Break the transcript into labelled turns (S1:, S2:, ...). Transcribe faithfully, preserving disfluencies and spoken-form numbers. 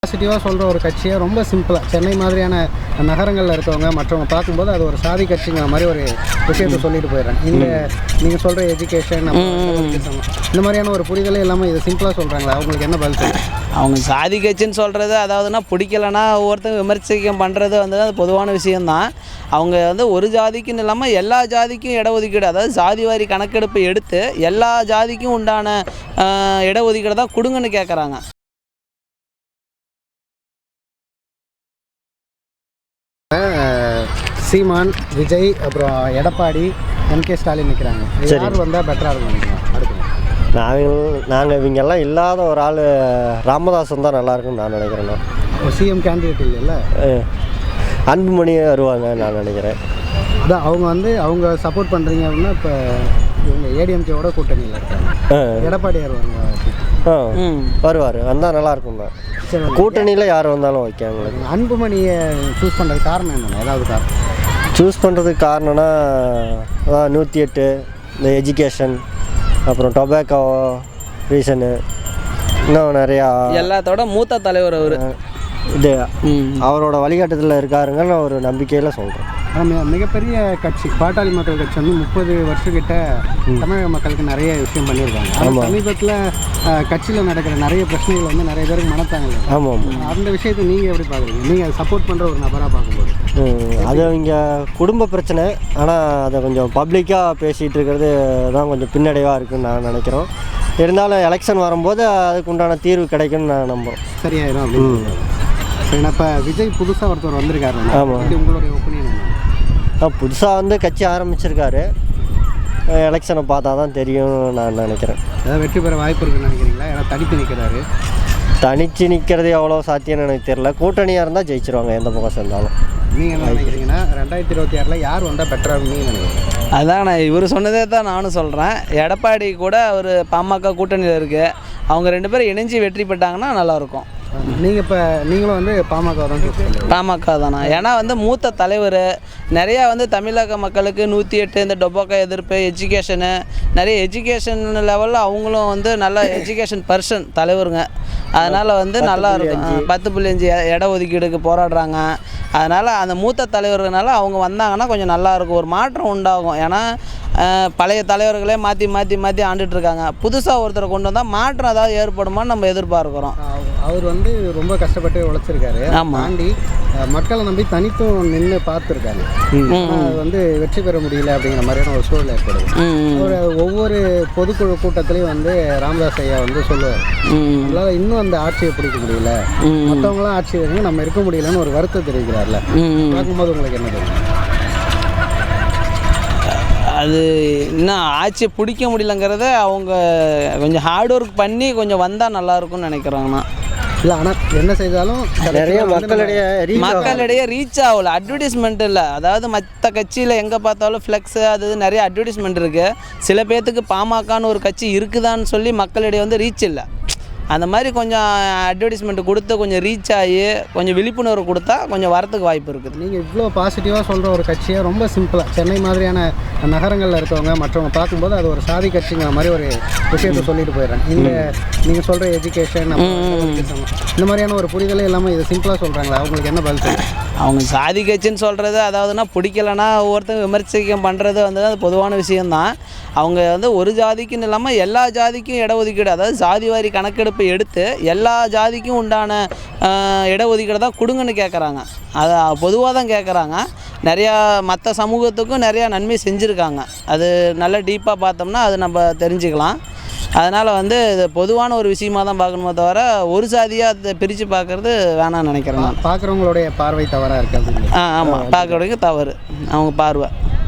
S1: பாசிட்டிவாக சொல்கிற ஒரு கட்சியை ரொம்ப சிம்பிளாக சென்னை மாதிரியான நகரங்களில் இருக்கவங்க மற்றவங்க பார்க்கும்போது அது ஒரு சாதி கட்சிங்கிற மாதிரி ஒரு விஷயத்தை சொல்லிட்டு போயிடுறாங்க. இந்த நீங்கள் சொல்கிற எஜுகேஷன் இந்த மாதிரியான ஒரு புரிதலே இல்லாமல் இதை சிம்பிளாக சொல்கிறாங்களா? அவங்களுக்கு என்ன பதில் சொல்லுங்கள்?
S2: அவங்க சாதி கட்சின்னு சொல்கிறது அதாவதுன்னா பிடிக்கலைன்னா ஒவ்வொருத்தங்க விமர்சிக்கம் பண்ணுறது வந்து அது பொதுவான விஷயந்தான். அவங்க வந்து ஒரு ஜாதிக்குன்னு இல்லாமல் எல்லா ஜாதிக்கும் இடஒதுக்கீடு, அதாவது ஜாதி வாரி கணக்கெடுப்பு எடுத்து எல்லா ஜாதிக்கும் உண்டான இடஒதுக்கீடு தான் கொடுங்கன்னு கேட்குறாங்க.
S1: சீமான், விஜய், அப்புறம் எடப்பாடி, எம்கே ஸ்டாலின் நிற்கிறாங்க. யார் வந்தால் பெட்டராக இருக்கும் நினைக்கிறோம்? அடுத்து
S3: நாங்கள் நாங்கள் இவங்கெல்லாம் இல்லாத ஒரு ஆள் ராமதாசன் தான் நல்லாயிருக்குன்னு நான் நினைக்கிறேண்ணா.
S1: சிஎம் கேண்டிடேட் இல்லைல்ல,
S3: அன்புமணி வருவாங்க நான் நினைக்கிறேன்.
S1: அதான் அவங்க வந்து அவங்க சப்போர்ட் பண்ணுறீங்க அப்படின்னா இப்போ இவங்க ஏடிஎம்கேவோட கூட்டணியில் இருக்காங்க. எடப்பாடியார் வருவாங்க.
S3: ஆ வருவார், வந்தால் நல்லாயிருக்கும்ண்ணா. கூட்டணியில் யார் வந்தாலும் ஓகே. எங்களுக்கு
S1: அன்புமணியை சூஸ் பண்ணுறது காரணம் என்னென்ன? ஏதாவது காரணம்
S3: சூஸ் பண்ணுறதுக்கு காரணம்னா அதான் நூற்றி எட்டு, இந்த எஜுகேஷன், அப்புறம் டொபாக்கோ ரீசனு, இன்னும் நிறையா
S2: எல்லாத்தோட மூத்த தலைவர் அவர்.
S3: இது அவரோட வழிகாட்டுதலில் இருக்காருங்கன்னு ஒரு நம்பிக்கையில் சொல்கிறேன்.
S1: மிகப்பெரிய கட்சி பாட்டாளி மக்கள் கட்சி வந்து முப்பது வருஷக்கிட்ட தமிழக மக்களுக்கு நிறைய விஷயம் பண்ணியிருக்காங்க. ஆமாம், சமீபத்தில் கட்சியில் நடக்கிற நிறைய பிரச்சனைகள் வந்து நிறைய பேருக்கு மனத்தாங்க.
S3: ஆமாம்,
S1: அந்த விஷயத்தை நீங்கள் எப்படி பார்க்குறீங்க? நீங்கள் சப்போர்ட் பண்ணுற ஒரு நபராக பார்க்கும்போது
S3: அது அவங்க குடும்ப பிரச்சனை, ஆனால் அதை கொஞ்சம் பப்ளிக்காக பேசிகிட்டு இருக்கிறது தான் கொஞ்சம் பின்னடைவாக இருக்குதுன்னு நான் நினைக்கிறோம். இருந்தாலும் எலெக்ஷன் வரும்போது அதுக்கு உண்டான தீர்வு கிடைக்கும்னு நான் நம்புகிறோம்.
S1: சரியாயிரும் அப்படின்னு. சரி, இப்போ விஜய் புதுசாக ஒருத்தர் வந்திருக்காரு. ஆமாம், உங்களுடைய ஒப்பீனியன் என்ன?
S3: புதுசாக வந்து கட்சி ஆரம்பிச்சிருக்காரு. எலெக்ஷனை பார்த்தா தான் தெரியும் நான் நினைக்கிறேன்.
S1: ஏதாவது வெற்றி பெற வாய்ப்பு இருக்குன்னு நினைக்கிறீங்களா? ஏன்னா தனித்து நிற்கிறாரு.
S3: தனித்து நிற்கிறது எவ்வளோ சாத்தியம்னு எனக்கு தெரியல. கூட்டணியாக இருந்தால் ஜெயிச்சிருவாங்க எந்த பக்கம் சேர்ந்தாலும்.
S1: நீங்கள் என்ன நினைக்கிறீங்கன்னா ரெண்டாயிரத்தி இருபத்தி ஆறில் யார் வந்தால் பெட்டராக நீங்கள் நினைக்கிறீங்க?
S2: அதான் நான் இவர் சொன்னதே தான் நானும் சொல்கிறேன். எடப்பாடி கூட ஒரு பாமக கூட்டணியில் இருக்குது. அவங்க ரெண்டு பேரும் இணைஞ்சு வெற்றி பெற்றாங்கன்னா நல்லாயிருக்கும்.
S1: நீங்கள் இப்போ நீங்களும் வந்து பாமக தான்?
S2: பாமக தானா? ஏன்னா வந்து மூத்த தலைவர் நிறையா வந்து தமிழக மக்களுக்கு நூற்றி எட்டு இந்த டொபாக்கோ எதிர்ப்பு, எஜுகேஷனு, நிறைய எஜுகேஷன் லெவலில் அவங்களும் வந்து நல்ல எஜுகேஷன் பர்சன் தலைவருங்க. அதனால் வந்து நல்லா இருக்கும். பத்து புள்ளி அஞ்சு இட ஒதுக்கீடுக்கு போராடுறாங்க. அதனால் அந்த மூத்த தலைவர்களால் அவங்க வந்தாங்கன்னா கொஞ்சம் நல்லாயிருக்கும், ஒரு மாற்றம் உண்டாகும். ஏன்னா பழைய தலைவர்களே மாற்றி மாற்றி மாற்றி ஆண்டுட்ருக்காங்க. புதுசாக ஒருத்தரை கொண்டு வந்தால் மாற்றம் ஏதாவது ஏற்படுமான்னு நம்ம எதிர்பார்க்குறோம்.
S1: அவர் வந்து ரொம்ப கஷ்டப்பட்டு உழைச்சிருக்காரு. தாண்டி மக்களை நம்பி தனித்தும் நின்று பார்த்துருக்காரு. அது வந்து வெற்றி பெற முடியல அப்படிங்கிற மாதிரியான ஒரு சூழல் ஏற்படுது. அவர் ஒவ்வொரு பொதுக்குழு கூட்டத்திலையும் வந்து ராமதாஸ் ஐயா வந்து சொல்லுவார், நம்மளால் இன்னும் அந்த ஆட்சியை பிடிக்க முடியல, மற்றவங்களாம் ஆட்சி வருங்க, நம்ம இருக்க முடியலன்னு ஒரு வருத்தம் தெரிவிக்கிறார்ல. பார்க்கும்போது உங்களுக்கு என்ன தெரியும்?
S2: அது இன்னும் ஆட்சியை பிடிக்க முடியலங்கிறத அவங்க கொஞ்சம் ஹார்ட் ஒர்க் பண்ணி கொஞ்சம் வந்தால் நல்லாயிருக்கும்னு நினைக்கிறாங்கண்ணா.
S1: இல்லை, ஆனால் என்ன செய்தாலும்
S3: நிறைய மக்களிடையே
S2: மக்களிடையே ரீச் ஆகல. அட்வர்டைஸ்மெண்ட் இல்லை, அதாவது மற்ற கட்சியில் எங்கே பார்த்தாலும் ஃப்ளெக்ஸு அது இது நிறைய அட்வர்டைஸ்மெண்ட் இருக்குது. சில பேர்த்துக்கு பாமகன்னு ஒரு கட்சி இருக்குதான்னு சொல்லி மக்களிடையே வந்து ரீச் இல்லை. அந்த மாதிரி கொஞ்சம் அட்வர்டைஸ்மெண்ட் கொடுத்து கொஞ்சம் ரீச் ஆகி கொஞ்சம் விழிப்புணர்வு கொடுத்தா கொஞ்சம் வரத்துக்கு வாய்ப்பு இருக்குது.
S1: நீங்கள் இவ்வளோ பாசிட்டிவாக சொல்கிற ஒரு கட்சியை ரொம்ப சிம்பிளாக சென்னை மாதிரியான நகரங்களில் இருக்கவங்க மற்றவங்க பார்க்கும்போது அது ஒரு சாதி கட்சிங்கிற மாதிரி ஒரு விஷயத்தை சொல்லிட்டு போயிடுறாங்க. இந்த நீங்கள் சொல்கிற எஜுகேஷன் இந்த மாதிரியான ஒரு புரிதலே இல்லாமல் இதை சிம்பிளாக சொல்கிறாங்களா? அவங்களுக்கு என்ன பதில் சொல்லுங்கள்?
S2: அவங்க சாதி கட்சின்னு சொல்கிறது அதாவதுன்னா பிடிக்கலைன்னா ஒவ்வொருத்தங்க விமர்சிக்கம் பண்ணுறது வந்து அது பொதுவான விஷயந்தான். அவங்க வந்து ஒரு ஜாதிக்குன்னு இல்லாமல் எல்லா ஜாதிக்கும் இடஒதுக்கீடு, அதாவது ஜாதி வாரி கணக்கெடுப்பு எடுத்து எல்லா ஜாதிக்கும் உண்டான இடஒதுக்கீடு தான் கொடுங்கன்னு கேட்குறாங்க. அதை பொதுவாக தான் கேட்குறாங்க. நிறையா மற்ற சமூகத்துக்கும் நிறையா நன்மை செஞ்சுருக்காங்க. அது நல்லா டீப்பாக பார்த்தோம்னா அது நம்ம தெரிஞ்சுக்கலாம். அதனால் வந்து இது பொதுவான ஒரு விஷயமாக தான் பார்க்கணுமே தவிர ஒரு சாதியாக அதை பிரித்து பார்க்குறது வேணாம்னு நினைக்கிறேன்.
S1: பார்க்குறவங்களுடைய பார்வை தவறாக இருக்காது.
S2: ஆ ஆமாம், பார்க்குறவங்க தவறு அவங்க பார்வை.